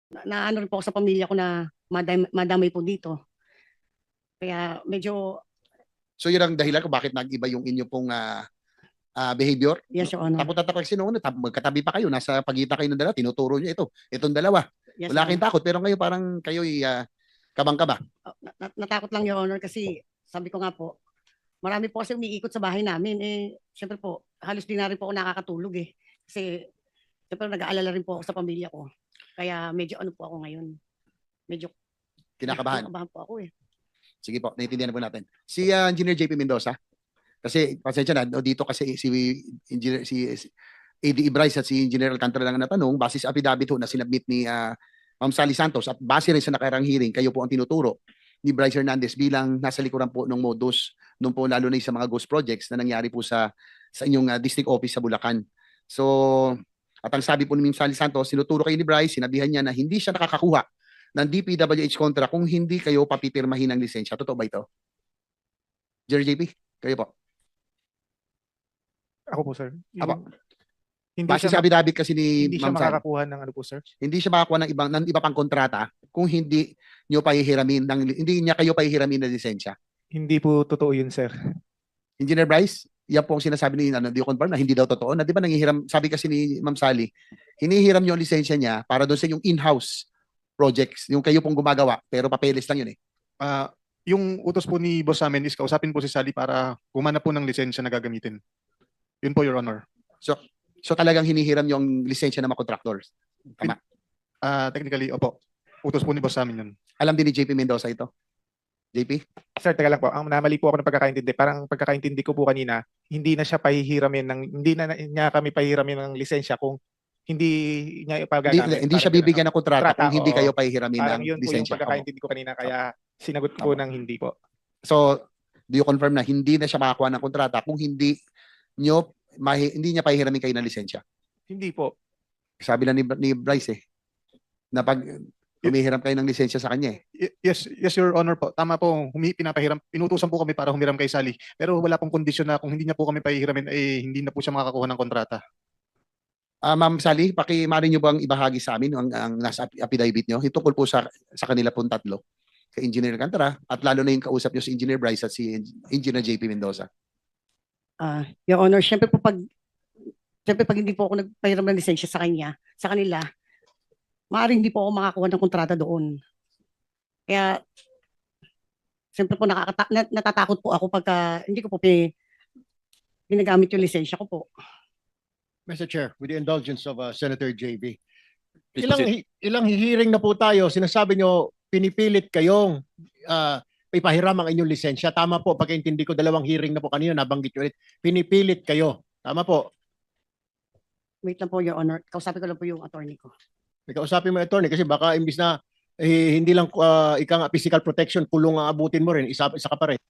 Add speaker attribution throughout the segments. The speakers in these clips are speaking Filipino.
Speaker 1: na ano rin po ako sa pamilya ko na madamay po dito. Kaya medyo,
Speaker 2: So yun ang dahilan kung bakit nag-iba yung inyo pong behavior.
Speaker 1: yes, Your Honor.
Speaker 2: Takot na takot kasi noon, magkatabi pa kayo, nasa pagitan kayo ng dalawa, tinuturo nyo itong dalawa.
Speaker 1: Yes,
Speaker 2: Wala
Speaker 1: Your
Speaker 2: kayong
Speaker 1: Honor.
Speaker 2: takot, pero ngayon parang kayo'y kabang-kaba.
Speaker 1: Natakot lang, Your Honor, kasi sabi ko nga po, marami po kasi umiikot sa bahay namin. Siyempre po, halos di na rin po ako nakakatulog eh. Kasi, siyempre nag-aalala rin po ako sa pamilya ko. Kaya medyo ano po ako ngayon. Medyo
Speaker 2: Kinakabahan.
Speaker 1: kinakabahan po ako eh.
Speaker 2: Sige po, naiintindihan po natin. Si Engineer JP Mendoza, kasi pasensya na, dito kasi si Engineer, si AD Bryce at si Engineer Alcantara lang natanong, base sa affidavit ho na sinabmit ni Ma'am Sally Santos at base rin sa nakarang hearing, kayo po ang tinuturo ni Bryce Hernandez bilang nasa likuran po ng modus nung po lalo na sa mga ghost projects na nangyari po sa inyong district office sa Bulacan. So, at ang sabi po ni Ma'am Sally Santos, sinuturo kayo ni Bryce, sinabihan niya na hindi siya nakakakuha ng DPWH contract kung hindi kayo papipirmahin ng lisensya. Totoo ba ito? Jerry JP, kayo po.
Speaker 3: Ako po, sir.
Speaker 2: Apo.
Speaker 3: Hindi
Speaker 2: Base
Speaker 3: siya,
Speaker 2: sa affidavit kasi ni
Speaker 3: hindi siya
Speaker 2: Ma'am Sally,
Speaker 3: makakakuha ng ano po, sir.
Speaker 2: hindi siya makakuha ng iba pang kontrata kung hindi niyo pahihiramin hindi niya kayo pahihiramin ng lisensya.
Speaker 3: Hindi po totoo yun, sir.
Speaker 2: Engineer Bryce, yan po ang sinasabi ni do you confirm na hindi daw totoo? Na di ba nangihiram, sabi kasi ni Ma'am Sally, hinihiram niyo ang lisensya niya para doon sa yung in-house projects, yung kayo pong gumagawa, pero papeles lang yun eh.
Speaker 3: Yung utos po ni boss sa amin is kausapin po si Sally para gumana po ng lisensya na gagamitin. Yun po, Your Honor.
Speaker 2: So talagang hinihiram yung lisensya ng mga contractors. Tama.
Speaker 3: Technically, opo. Utos po ni boss sa amin yun.
Speaker 2: Alam din ni JP Mendoza ito. JP?
Speaker 3: Sir, taga lang po. Ang namali po ako ng pagkakaintindi. Parang pagkakaintindi ko po kanina, hindi na siya pahihiramin hindi na niya kami pahihiramin ng lisensya kung hindi niya ipagagamit.
Speaker 2: Hindi siya bibigyan ng kontrata kung hindi
Speaker 3: oo.
Speaker 2: kayo pahihiramin
Speaker 3: Parang
Speaker 2: ng
Speaker 3: yun po yung
Speaker 2: lisensya.
Speaker 3: pagkakaintindi ko kanina, kaya sinagot po ng hindi po.
Speaker 2: So, do you confirm na hindi na siya makakuha ng kontrata kung hindi niya pahihiramin kayo ng lisensya?
Speaker 3: Hindi po.
Speaker 2: Sabi lang ni Bryce na pag humihiram kayo ng lisensya sa kanya
Speaker 3: Yes, Your Honor po. Tama po, pinapahiram. Inutusan po kami para humiram kay Sally. Pero wala pong kondisyon na kung hindi niya po kami pahihiramin, hindi na po siya makakakuha ng kontrata.
Speaker 2: Ma'am Sally, maaari niyo bang ibahagi sa amin ang nasa affidavit niyo? Tungkol po sa kanila pong tatlo, kay Engineer Alcantara at lalo na yung kausap niyo si Engineer Bryce at si Engineer JP Mendoza.
Speaker 1: Your Honor, syempre pag hindi po ako nagpahiram ng lisensya sa kanila, maaaring hindi po ako makakuha ng kontrata doon. Kaya, siyempre po natatakot po ako pagka hindi ko po ginagamit yung lisensya ko po.
Speaker 4: Mr. Chair, with the indulgence of Senator JB,
Speaker 5: Please
Speaker 4: ilang hearing na po tayo, sinasabi nyo, pinipilit kayong ipahiram ang inyong lisensya. Tama po, pagkaintindi ko, 2 hearing na po kanina, nabanggit nyo ulit. Pinipilit kayo. Tama po.
Speaker 1: Wait lang po, Your Honor. Kausapin ko lang po yung attorney ko.
Speaker 4: Kausapin mo, attorney, kasi baka imbis na hindi lang physical protection, kulong ang abutin mo rin, isa ka pa rin.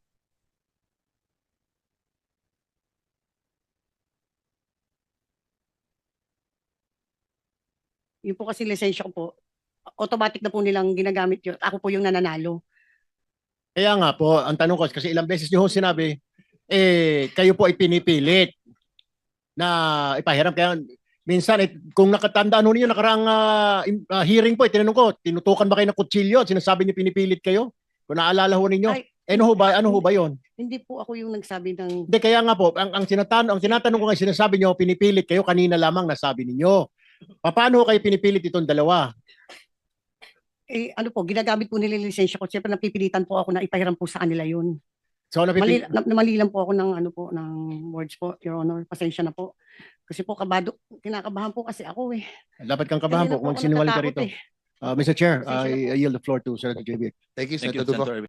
Speaker 1: Yung po kasi lisensya ko po, automatic na po nilang ginagamit yun. Ako po yung nananalo.
Speaker 4: Kaya nga po, ang tanong ko, kasi ilang beses nyo sinabi, kayo po ay pinipilit na ipahiram. Kaya minsan, kung nakatandaan ho ninyo, nakarang hearing po, tinanong ko, tinutukan ba kayo ng kutsilyo? Sinasabi niyo pinipilit kayo? Kung naalala ho ninyo,
Speaker 1: Ay,
Speaker 4: ano ho ba yun?
Speaker 1: Hindi po ako yung nagsabi ng...
Speaker 4: Hindi, kaya nga po, ang tinatanong ko nga, sinasabi niyo, pinipilit kayo, kanina lamang nasabi ninyo. Paano kayo pinipilit itong dalawa?
Speaker 1: Ano po, ginagamit po nila yung lisensya ko. Siyempre napipilitan po ako na ipahiram po sa kanila yun.
Speaker 4: So,
Speaker 1: Mali lang po ako ng ng words po, Your Honor. Pasensya na po. Kasi po kinakabahan po kasi ako eh.
Speaker 4: dapat kang kabahan
Speaker 1: Kanina
Speaker 4: po kung
Speaker 1: ako
Speaker 4: sinungaling ka
Speaker 1: natatakot
Speaker 4: rito. Mr. Chair,
Speaker 1: Pasensya na po.
Speaker 4: I yield the floor to Senator JB.
Speaker 2: Thank you,
Speaker 5: Thank you,
Speaker 2: Senator Dugo.
Speaker 5: Senator.